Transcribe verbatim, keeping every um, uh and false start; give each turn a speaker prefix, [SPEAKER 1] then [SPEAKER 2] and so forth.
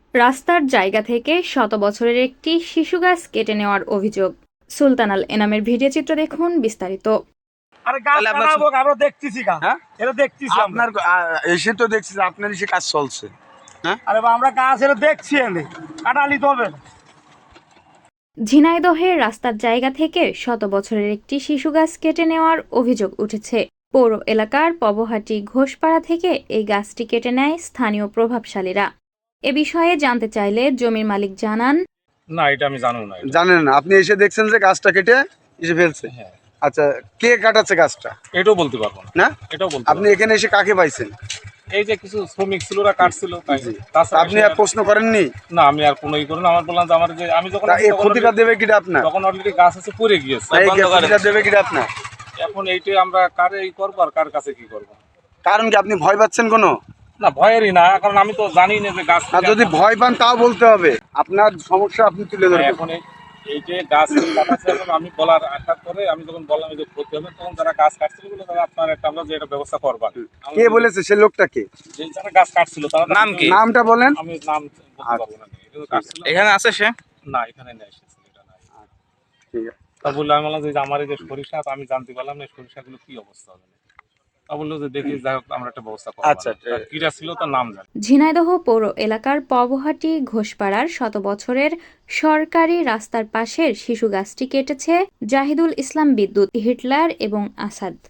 [SPEAKER 1] রাস্তার জায়গা থেকে শত বছরের একটি শিশু গাছ কেটে নেওয়ার অভিযোগ। সুলতান আল এনামের ভিডিও চিত্র দেখুন বিস্তারিত।
[SPEAKER 2] আরে গাছ কাটাবো, আমরা দেখতেছি গা।
[SPEAKER 3] হ্যাঁ?
[SPEAKER 2] এটা দেখতেছি আমরা।
[SPEAKER 3] আপনার আ- এসে তো দেখছি যে আপনার এসে কাজ চলছে। হ্যাঁ,
[SPEAKER 2] আরে বা আমরা গাছ এটা দেখছি, এনে কাটালি তো হবে না।
[SPEAKER 1] ঝিনাইদহের রাস্তার জায়গা থেকে শত বছরের একটি শিশু গাছ কেটে নেওয়ার অভিযোগ উঠেছে। পৌর এলাকার পবহাটি ঘোষপাড়া থেকে এই গাছটি কেটে নেয় স্থানীয় প্রভাবশালীরা। এ বিষয়ে জানতে চাইলে জমির মালিক জানান,
[SPEAKER 4] না, এটা আমি জানবো না। এটা-
[SPEAKER 3] জানেন না, আপনি এসে দেখছেন যে গাছটা কেটে এসে ফেলছে।
[SPEAKER 4] হ্যাঁ,
[SPEAKER 3] আচ্ছা, কে কাটাচ্ছে গাছটা?
[SPEAKER 4] এটাও বলতে পারবো না।
[SPEAKER 3] না,
[SPEAKER 4] এটাও বলতে
[SPEAKER 3] আপনি
[SPEAKER 4] পারবো
[SPEAKER 3] এখানে এসে কাকে পাইছেন?
[SPEAKER 4] না। এই যে কিছু শ্রমিক ছিল, ওরা কাটছিল তাই।
[SPEAKER 3] জি।
[SPEAKER 4] তাছাড়া
[SPEAKER 3] আপনি
[SPEAKER 4] সে-
[SPEAKER 3] আর প্রশ্ন করেননি?
[SPEAKER 4] না, আমি আর কোনো ই করি না। আমার বললাম যে আমার যে আমি যখন
[SPEAKER 3] তা
[SPEAKER 4] আসি
[SPEAKER 3] এই
[SPEAKER 4] তখন
[SPEAKER 3] ক্ষতিটা
[SPEAKER 4] already-
[SPEAKER 3] দেবে কিটা আপনার?
[SPEAKER 4] তখন অলরেডি গাছ আছে পড়ে গিয়েছে।
[SPEAKER 3] এই ক্ষতিটা দেবে কিটা আপনার?
[SPEAKER 4] এখন এইটাই আমরা কারে এই করবো আর কার কাছে কি করবো।
[SPEAKER 3] কারণ কি আপনি ভয় পাচ্ছেন কোনো?
[SPEAKER 4] না, ভয়েরই না, কারণ আমি তো জানি না যে গাছ
[SPEAKER 3] আর যদি ভয় পান তাও বলতে হবে, আপনার সমস্যা আপনি তুলে ধরবেন।
[SPEAKER 4] এখন এই- এই যে গাছ কাটাচ্ছে, এখন আমি বলার আশা করে আমি যখন বললাম এই যে ক্ষতি হবে, তখন যারা গাছ কাটছিল বলে তারা আপনার একটা আমরা যে এটা ব্যবস্থা করবেন।
[SPEAKER 3] কে বলেছে সে লোকটা কে?
[SPEAKER 4] যে যারা গাছ কাটছিল তারা
[SPEAKER 5] নাম কি?
[SPEAKER 3] নামটা বলেন।
[SPEAKER 4] আমি নাম বলতে পারবো না। এটা তো কাটছিল।
[SPEAKER 5] এখানে আছে সে?
[SPEAKER 4] না, এখানে নেই, এসেছে এটা নাই।
[SPEAKER 3] ঠিক আছে।
[SPEAKER 4] তা বললো, আমি বললাম যে আমার এই যে সরিষা, তো আমি জানতে পারলাম না এই সরিষাগুলো কি অবস্থা হবে। তা বললো যে দেখি, যাই হোক আমরা একটা ব্যবস্থা করবো।
[SPEAKER 3] আচ্ছা,
[SPEAKER 4] আচ্ছা, কিরা ছিল তার নাম জানি।
[SPEAKER 1] ঝিনাইদহ পৌর এলাকার পবহাটি ঘোষপাড়ার শত বছরের সরকারি রাস্তার পাশের শিশু গাছটি কেটেছে জাহিদুল ইসলাম বিদ্যুৎ, হিটলার এবং আসাদ।